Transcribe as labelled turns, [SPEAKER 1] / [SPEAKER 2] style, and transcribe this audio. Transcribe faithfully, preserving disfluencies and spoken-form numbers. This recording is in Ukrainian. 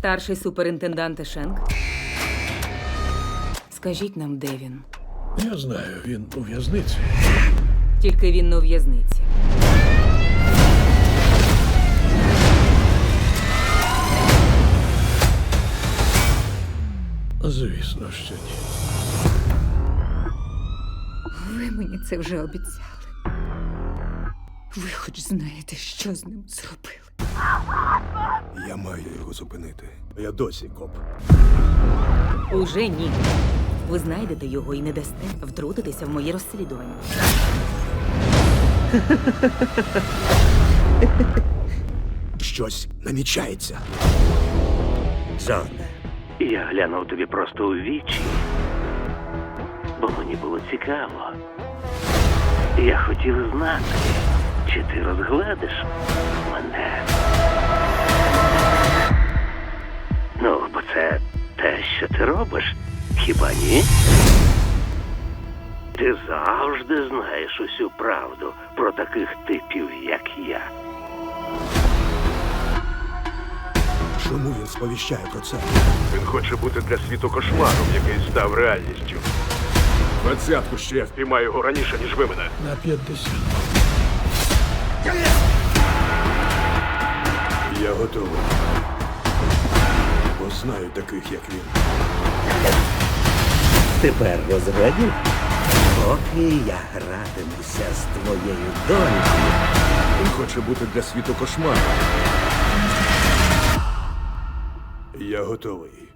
[SPEAKER 1] Старший суперінтендант Шенк. Скажіть нам, де він?
[SPEAKER 2] Я знаю, він у в'язниці.
[SPEAKER 1] Тільки він не у в'язниці.
[SPEAKER 2] Звісно, що ні.
[SPEAKER 3] Ви мені це вже обіцяли. Ви хоч знаєте, що з ним зробили.
[SPEAKER 4] Я маю його зупинити. Я досі коп.
[SPEAKER 1] Уже ні. Ви знайдете його і не дасте втрутитися в моє розслідування.
[SPEAKER 4] Щось намічається.
[SPEAKER 5] Джоне, я глянув тобі просто у вічі, бо мені було цікаво. Я хотів знати, чи ти розгладиш мене. Ну, бо це те, що ти робиш, хіба ні? Ти завжди знаєш усю правду про таких типів, як я.
[SPEAKER 4] Чому він сповіщає про це?
[SPEAKER 6] Він хоче бути для світу кошмаром, який став реальністю. Двадцятку ще я впіймаю його раніше, ніж ви мене.
[SPEAKER 2] На п'ятдесят.
[SPEAKER 4] Я готовий. Бо знаю таких, як він.
[SPEAKER 5] Тепер розрадів? Поки я гратимуся з твоєю донькою.
[SPEAKER 6] Він хоче бути для світу кошмаром.
[SPEAKER 4] Я готовий.